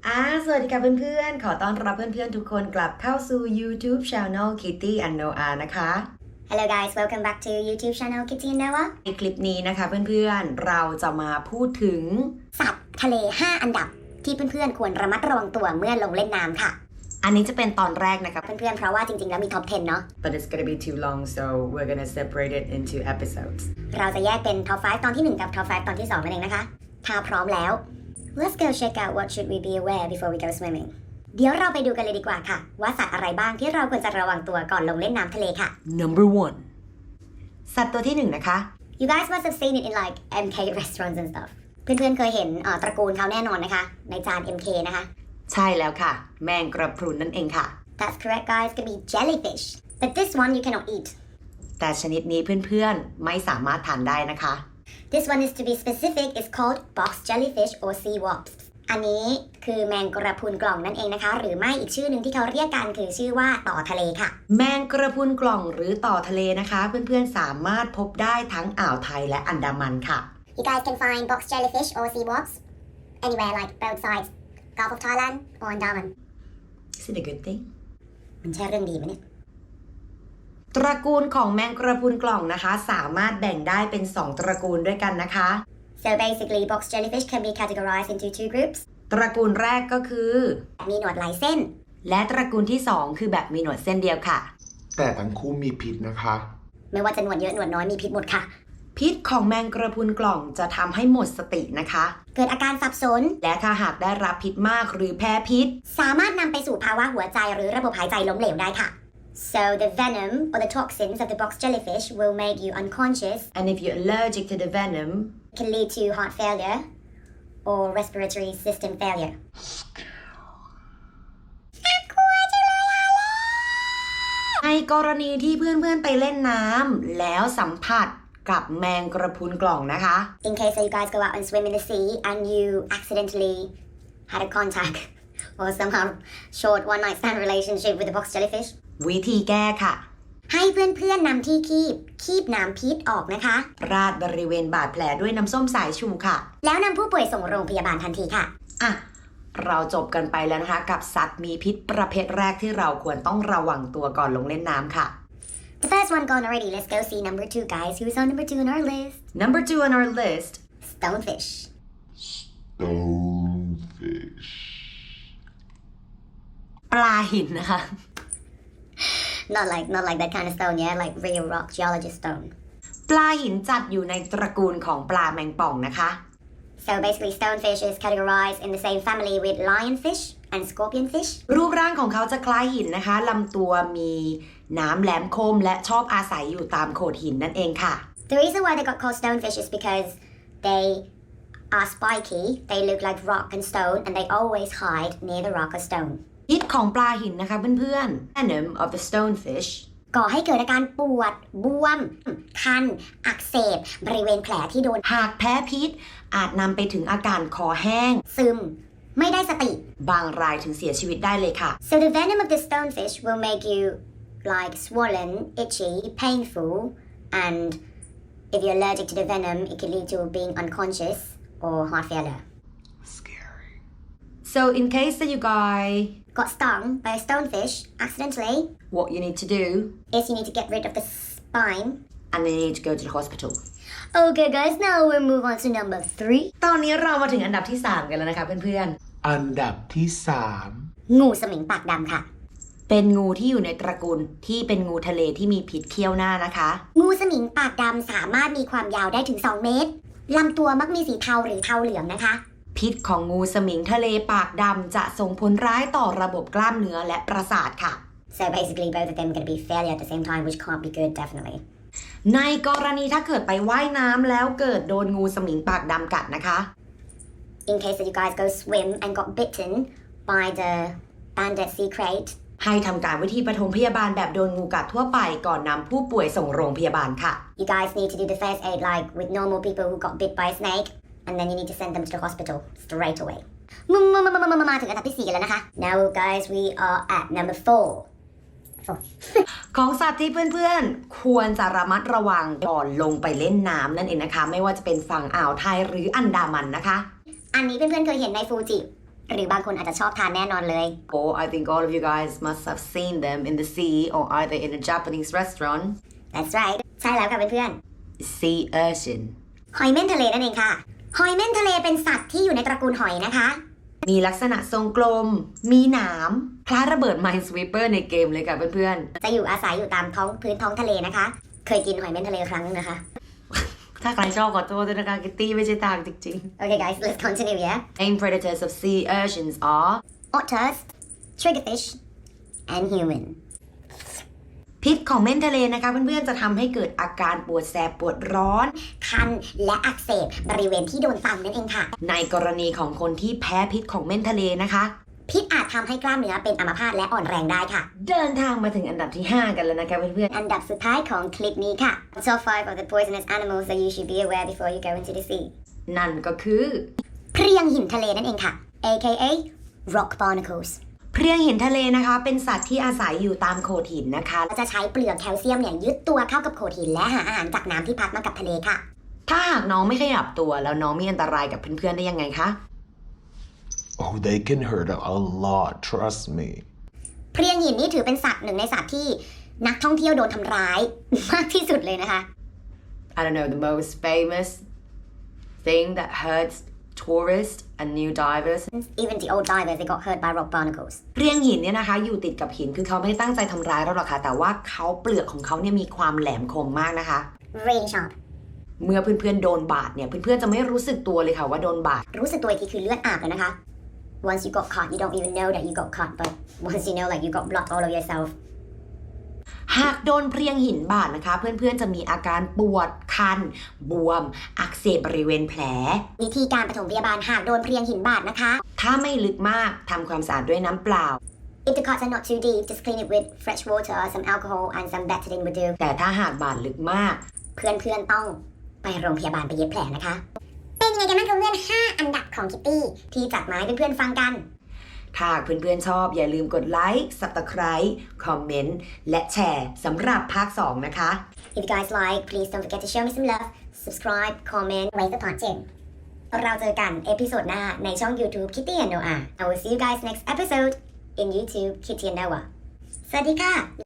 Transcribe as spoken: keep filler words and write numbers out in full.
อ่าสวัสดีค่ะเพื่อนๆขอต้อนรับเพื่อนๆทุกคนกลับเข้าสู่ YouTube Channel Kitty and Noah นะคะ Hello guys, welcome back to YouTube channel Kitty and Noah ในคลิปนี้นะคะเพื่อนๆเราจะมาพูดถึงสัตว์ทะเลห้าอันดับที่เพื่อนๆควรระมัดระวังตัวเมื่อลงเล่นน้ำค่ะอันนี้จะเป็นตอนแรกนะคะเพื่อนๆเพราะว่าจริงๆแล้วมีท็อปสิบเนาะ but it's gonna be too long so we're gonna separate it into episodes เราจะแยกเป็นท็อปห้าตอนที่หนึ่งกับท็อปห้าตอนที่สองนั่นเองนะคะถ้าพร้อมแล้ว Let's go check out what should we be aware before we go swimming เดี๋ยวเราไปดูกันเลยดีกว่าค่ะว่าสัตว์อะไรบ้างที่เราควรจะระวังตัวก่อนลงเล่นน้ำทะเลค่ะ Number one สัตว์ตัวที่หนึ่งนะคะ You guys must have seen it in like เอ็ม เค restaurants and stuff เพื่อนๆเคยเห็นตระกูลเขาแน่นอนนะคะในจาน เอ็ม เค นะคะใช่แล้วค่ะแมงกระพรุนนั่นเองค่ะ That's correct guys could be jellyfish but this one you cannot eat แต่ชนิดนี้เพื่อนๆไม่สามารถทานได้นะคะ This one is to be specific is called box jellyfish or sea wasps อันนี้คือแมงกระพรุนกล่องนั่นเองนะคะหรือไม่อีกชื่อหนึ่งที่เขาเรียกกันคือชื่อว่าต่อทะเลค่ะแมงกระพรุนกล่องหรือต่อทะเลนะคะเพื่อนๆสามารถพบได้ทั้งอ่าวไทยและอันดามันค่ะ You guys can find box jellyfish or sea wasps anywhere like both sides Gulf of Thailand or Andaman Is it a good thing มันใช่เรื่องดีไหมเนี่ยตระกูลของแมงกระพรุนกล่องนะคะสามารถแบ่งได้เป็นสองตระกูลด้วยกันนะคะ So basically box jellyfish can be categorized into two groups ตระกูลแรกก็คือมีหนวดหลายเส้นและตระกูลที่สองคือแบบมีหนวดเส้นเดียวค่ะแต่ทั้งคู่มีพิษนะคะไม่ว่าจะหนวดเยอะหนวดน้อยมีพิษหมดค่ะพิษของแมงกระพรุนกล่องจะทำให้หมดสตินะคะเกิดอาการสับสนและถ้าหากได้รับพิษมากหรือแพ้พิษสามารถนำไปสู่ภาวะหัวใจหรือระบบหายใจล้มเหลวได้ค่ะ So the venom or the toxins of the box jellyfish will make you unconscious and if you're allergic to the venom it can lead to heart failure or respiratory system failure ในกรณีที่เพื่อนๆไปเล่นน้ำแล้วสัมผัสกับแมงกระพรุนกล่องนะคะ In case that you guys go out and swim in the sea and you accidentally had a contact or somehow short one night stand relationship with the box jellyfish วิธีแก้ค่ะให้เพื่อนๆนำที่คีบคีบน้ำพิษออกนะคะราดบริเวณบาดแผลด้วยน้ำส้มสายชูค่ะแล้วนำผู้ป่วยส่งโรงพยาบาลทันทีค่ะอ่ะเราจบกันไปแล้วนะคะกับสัตว์มีพิษประเภทแรกที่เราควรต้องระวังตัวก่อนลงเล่นน้ำค่ะ The first one gone already. Let's go see number two, guys. Who's on number two on our list? Number two on our list. Stonefish. Stonefish. ปลาหินนะคะ Not like not like that kind of stone, yeah. Like real rock geologist stone. ปลาหินจัดอยู่ในตระกูลของปลาแมงป่องนะคะ So basically, stonefish is categorized in the same family with lionfish and scorpionfish. รูปร่างของเขาจะคล้ายหินนะคะลำตัวมีน้ำแหลมคมและชอบอาศัยอยู่ตามโขดหินนั่นเองค่ะ The reason why they got called stonefish is because they are spiky, they look like rock and stone, and they always hide near the rock or stone. พิษของปลาหินนะคะเพื่อนๆ Venom of the stonefish ก่อให้เกิดอาการปวดบวมคันอักเสบบริเวณแผลที่โดนหากแพ้พิษอาจนำไปถึงอาการคอแห้งซึมไม่ได้สติบางรายถึงเสียชีวิตได้เลยค่ะ So the venom of the stonefish will make you like swollen, itchy, painful, and if you're allergic to the venom, it can lead to being unconscious or heart failure. Scary. So in case that you guys got stung by a stonefish accidentally, what you need to do is you need to get rid of the spine, and then you need to go to the hospital. Okay, guys, now we'll move on to number three. ตอนนี้เรามาถึงอันดับที่สามกันแล้วนะคะเพื่อนๆอันดับที่สามงูสมิงปากดำค่ะเป็นงูที่อยู่ในตระกูลที่เป็นงูทะเลที่มีพิษเขี้ยวหน้านะคะงูสมิงปากดำสามารถมีความยาวได้ถึงสองเมตรลำตัวมักมีสีเทาหรือเทาเหลืองนะคะพิษของงูสมิงทะเลปากดำจะส่งผลร้ายต่อระบบกล้ามเนื้อและประสาทค่ะ So basically both of them gonna be failure at the same time which can't be good definitely ในกรณีถ้าเกิดไปว่ายน้ำแล้วเกิดโดนงูสมิงปากดำกัดนะคะ In case that you guys go swim and got bitten by the banded sea crate ให้ทำการวิธีปฐมพยาบาลแบบโดนงูกัดทั่วไปก่อนนำผู้ป่วยส่งโรงพยาบาลค่ะ You guys need to do the first aid like with normal people who got bit by a snake and then you need to send them to the hospital straight away มามามามามามาถึงอันดับที่สี่กันแล้วนะคะ Now guys we are at number four ของสัตว์ที่เพื่อนๆควรจะระมัดระวังก่อนลงไปเล่นน้ำนั่นเองนะคะไม่ว่าจะเป็นฝั่งอ่าวไทยหรืออันดามันนะคะอันนี้เพื่อนๆเคยเห็นในฟูจิหรือบางคนอาจจะชอบทานแน่นอนเลย Or I think all of you guys must have seen them in the sea or either in a Japanese restaurant. That's right ใช่แล้วค่ะเพื่อน Sea urchin. ๆหอยเม่นทะเลนั่นเองค่ะ หอยเม่นทะเลเป็นสัตว์ที่อยู่ในตระกูลหอยนะคะมีลักษณะทรงกลม มีหนามคล้ายระเบิด Minesweeper ในเกมเลยค่ะเพื่อนจะอยู่อาศัยอยู่ตามท้องพื้นท้องทะเลนะคะ เคยกินหอยเม่นทะเลครั้งนึงนะคะๆ ถ้าใครชอบขอโทษด้วยนะคะคิตตี้ไม่ใช่ทางจริง Okay guys let's continue yeah ๆ Main predators of sea urchins are otters triggerfish and human พิษของเม่นทะเลนะคะเพื่อนๆจะทำให้เกิดอาการปวดแสบปวดร้อนคันและอักเสบบริเวณที่โดนตำนั่นเองค่ะในกรณีของคนที่แพ้พิษของเม่นทะเลนะคะพิษอาจทำให้กล้ามเนื้อเป็นอัมพาตและอ่อนแรงได้ค่ะเดินทางมาถึงอันดับที่ ห้า กันแล้วนะคะเพื่อนอันดับสุดท้ายของคลิปนี้ค่ะ Top five of the poisonous animals that you should be aware before you go into the sea ๆ นั่นก็คือเพรียงหินทะเลนั่นเองค่ะ aka rock barnacles เพรียงหินทะเลนะคะเป็นสัตว์ที่อาศัยอยู่ตามโขดหินนะคะจะใช้เปลือกแคลเซียมเนี่ยยึดตัวเข้ากับโขดหินและหาอาหารจากน้ำที่พัดมากับทะเลค่ะถ้าหากน้องไม่ขยับตัวแล้วน้องมีอันตรายกับเพื่อนๆได้ยังไงคะ Oh, they can hurt a lot, trust me. เพรียงหินนี่ถือเป็นสัตว์หนึ่งในสัตว์ที่นักท่องเที่ยวโดนทำร้าย มากที่สุดเลยนะคะ I don't know the most famous thing that hurts tourists and new divers Even the old divers they got hurt by rock barnacles เพรียงหินเนี่ยนะคะอยู่ติดกับหินคือเขาไม่ได้ตั้งใจทำร้ายเราหรอกค่ะแต่ว่าเขาเปลือกของเขาเนี่ยมีความแหลมคมมากนะคะ Rain sharp เมื่อเพื่อนๆโดนบาดเนี่ยเพื่อนๆจะไม่รู้สึกตัวเลยค่ะว่าโดนบาดรู้สึกตัวอีกทีคือเลือดอาบเลยนะคะ Once you got caught you don't even know that you got caught but once you know like you got blood all over yourself หากโดนเพรียงหินบาดนะคะ เพื่อนๆจะมีอาการปวดคัน บวม อักเสบบริเวณแผลวิธีการปฐมพยาบาลหากโดนเพรียงหินบาดนะคะถ้าไม่ลึกมากทำความสะอาดด้วยน้ำเปล่า If the cuts are not too deep just clean it with fresh water some alcohol and some betadine would do แต่ถ้าหากบาดลึกมากเพื่อนๆต้องไปโรงพยาบาลไปเย็บแผลนะคะ เป็นยังไงกันบ้างคะเพื่อนห้าอันดับของคิตตี้ที่จัดมาให้เพื่อนๆฟังกันถ้าหากเพื่อนๆชอบอย่าลืมกดไลค์ Subscribe คอมเมนต์และแชร์สำหรับภาค สอง นะคะ If you guys like please don't forget to show me some love subscribe comment wait for part two เราเจอกันเอพิโซดหน้าในช่อง YouTube Kitty and Noah I will see you guys next episode in YouTube Kitty and Noah สวัสดีค่ะ